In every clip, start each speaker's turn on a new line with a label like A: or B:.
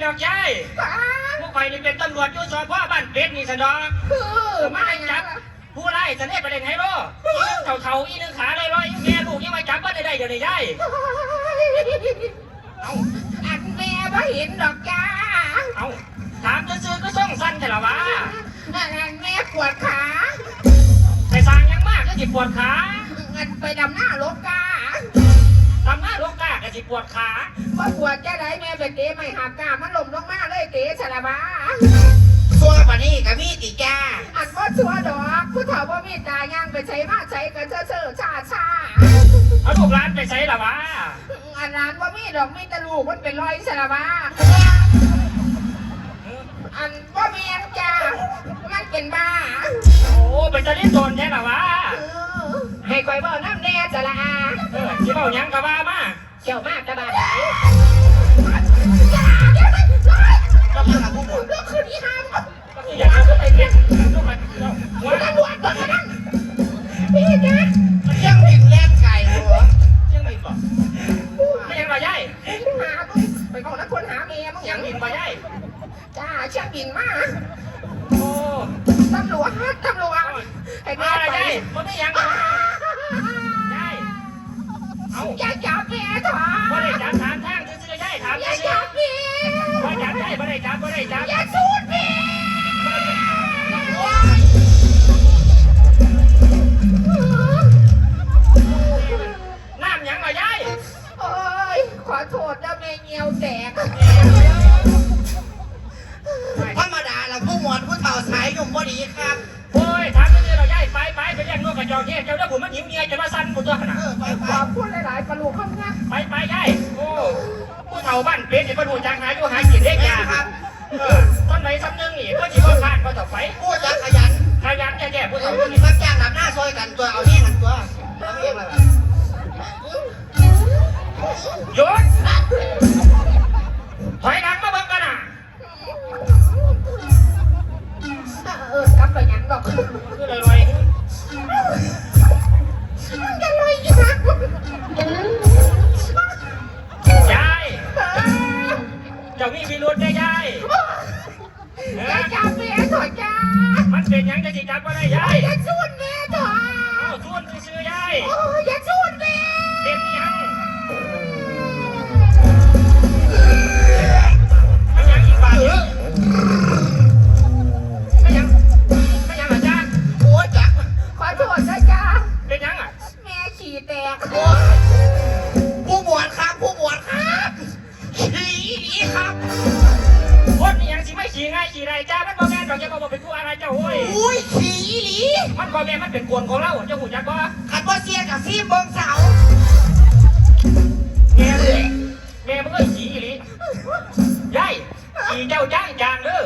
A: ดอกยายพวกใครนี่เป็นตำรวจอยู่สพบ้านเป็ดนี่สนอมาจับผู้ไล่จะได้ประเด็นไฮโร่เท่าอีนึงขาลอยๆแม่ลูกยังมาจับว่าได้เดี๋ยวนี้ยาย
B: อันแม่บ่เห็นดอกจ้า
A: เอาถามซื้อก็ส่งสั้นแต่ละวะ
B: อันแม่ปวดขา
A: ไปสร้างยังมากก็จิปวดขา
B: อันไปดำหน้าลกกา
A: ดำหน้าลกกาก็จิปวดขา
B: ว่าปวดแค่ไหนแม่ไปเตะไม่หักกามันล้มลงมาเลยเตะฉลาบ้า
C: ชัวปะนี่กับมีติจ้า
B: อันว่าชัวดอกผู้เฒ่าว่ามีตาย่างไปใช้มาใช้กันเชื่อชา
A: เอาลูกร้านไปใช้ละวะ
B: อันร้านว่ามีดอกมีตะลูกมันเป็นรอยฉลาบ้าอันว่ามีอันจ้ามันเป็นบ้า
A: โอ้เป็นตะลิ้นโดนแค่ละวะ
B: ให้คอยบอกน้ำแน่จะละอา
A: ที่เบายังกะบ้ามา
B: เชี่ยวมากกะบ้าไหน
C: ก็เพื่อนผู้หมด
B: เรื่องคืนนี้ห้าม
A: อย่าไปเก็บลูกมัน
B: หัวตำรวจก่อนนะพี่จ๊ะ
C: ยังบินแล่นไก่หัว
A: ยังบินบ่ไม่ยังบ่ย่าย
B: หาไปก่อนนะคนหาเมียมึง
A: ยังบินบ่ย่าย
B: จ้าเชี่ยบินมา
A: โอ้
B: ตำรวจไอ้แม่
A: ไปมันไม่ยังย่ายเอา
B: อย่าจับแม่ถอ
A: ดบ่ได้จับถามทางซื้อย่ายถาม
B: อย่าจับพี่
A: บ่จับย่ายบ่ได้จับ
B: อย่าสูดพี่
A: น้ำยังบ่ย่าย
B: โอ้ยขอโทษนะแม่เงี้ยวแตก
C: ธรรมดาเราผู้หมวดผู้เฒ่าสายหนุ่มพอดีครับ
A: โอ้ยถามซื้อเราย่ายไปเรียกนกกระจอกเทศเจ้าเดี๋ยวผมมันหิวเงียจะมาสั่นกูตัวขนาด
B: ขอบคุณหลายๆปลูกข้างหน้า
A: ไปย่ายโอ้ผู้เฒ่าบ้านเป็ดเนี่ยมาดูจางหาอยู่หากินได้ยา
C: ครับ
A: ต้นไหนซ้ำนึงนี่ก็จีบขาดก็ต่อไป
C: ผู้จะขยัน
A: แก่ผู้เฒ่า
C: นี่มักจ้างดับหน้าซอยกันตัวเอาเนี่ยกันตัวเอาเองเลย
A: หยุดถอยหลังมาเบิ่งกันน่ะ
B: กลับไปยังดอก
A: คือลอย
B: จะลอยอีกนะ
A: ยายเจ้ามีพิรุธได้ยาย
B: อย่าจับแม่ถอยจ้า
A: มันเป็นยังจะจิจับก็ได้ยาย
B: อย่าชวนแม่ถอย
A: เอาชวนซื้อยาย
B: อย่าชวนแม่
A: เป็นยังไม่ยังอีกบาทไม่ยังอาจารย์
C: โอ้จัก
B: ขอโทษนะจ้า
A: เป็นยังอ่ะ
B: แม่ฉี่แตก
C: ผู้หมวดครับขี่ดีครับ
A: คนนี่ยังสิไม่ขี่ง่ายขี่ไรจ้ามันบ่แม่นดอกจะบอกเป็นผู้อะไรเจ้าโอ้ย
C: อุ้ยขี่ดี
A: มันบ่แม่นมันเป็นกวนของเราเจ้าหูจักบ่
C: ขัดบ่เสียกับซีเบิ้งเสา
A: แม่มันก็ขี่อีหลียายขี่เจ้าจ้างจางเด้อ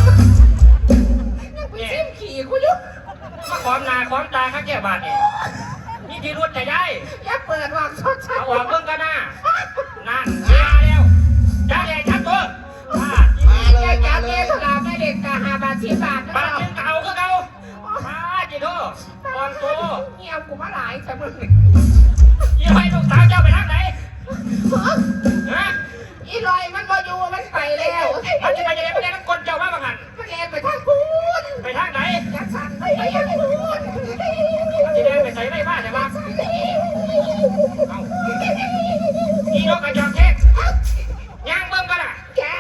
B: เนี่ยขี่กูยุบ
A: มาขอมหน้าขอมตาข้าแก่บาทนี่นี่ที่รถจะได้
B: อย่าเปิดวางชดใช้
A: เอาออกเบิ่งกันนะนั่นมาแล้วจ้าแดงจับตัว
B: อย่าจับเมียถลาแม่เด็กกะ5 บาท10 บาท
A: บาทนึงเก่าก็เก่ามาจิโตตอนโต
B: เงี้ยกูมาหลายแต่มึง
A: ยี่ห้อลูกสาวเจ้าไปทางไหนฮะ
B: อีลอยมันบ่อยู่มันไปแล้ว
A: มันจะไปยังไงมันเล่นมันกลเจ้าว่าบังหัน
B: มันเล่นไปทางพูน
A: ไปทางไหน
B: ยักษ์สั่นไปทางพูน
A: มันจะเดินไปใส่ไรบ้านใช่ไหมอีนกกระจอกเทศย่างเบิ่งกันอ่ะ
B: แก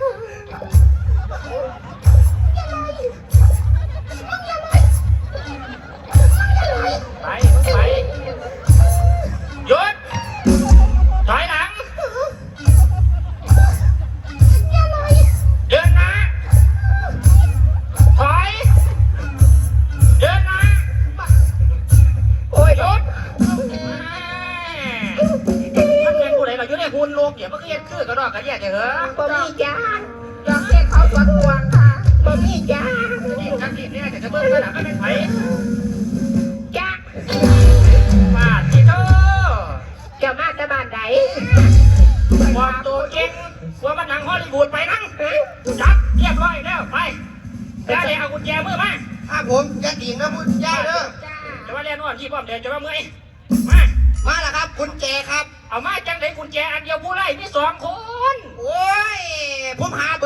A: ไปหยุดถอยหลังเดินหน้าถอยเดินหน้าโอ้ยหยุดมันเป็นผู้ใดเราอยู่ในหุ่นโลกเดี๋ยวมันก็ยัดคือกระดอกกระแยกเหรอ
B: บ่มีจ้าจอกเด็กเขาสวนห่วงค่ะบ่มีจ้า
A: นี่จังที่เนี่ยจะเบิ่งกันอ่ะก็เป็นไผ
B: จ้า
A: มาจิโต
B: เจ้ามาแต่บ้านใด
A: บอกตัวเก่งว่ามันหนังฮอลลีวูดไปนั่งจับเรียบร้อยแล้วไปแล้วเดี๋ยวเอากุญแจมือมา
C: ผมจะดิ่งนะพูดย่าเด้อ
A: จะว่าเรียนว่าที่ป้อมเดี๋ยวจะว่าเมื่อย
C: มาแล้วครับกุญแจครับ
A: เอามาจังไหนกุญแจอันเดียวผู้ไล่มี2 คน
C: โอ้ยผมหา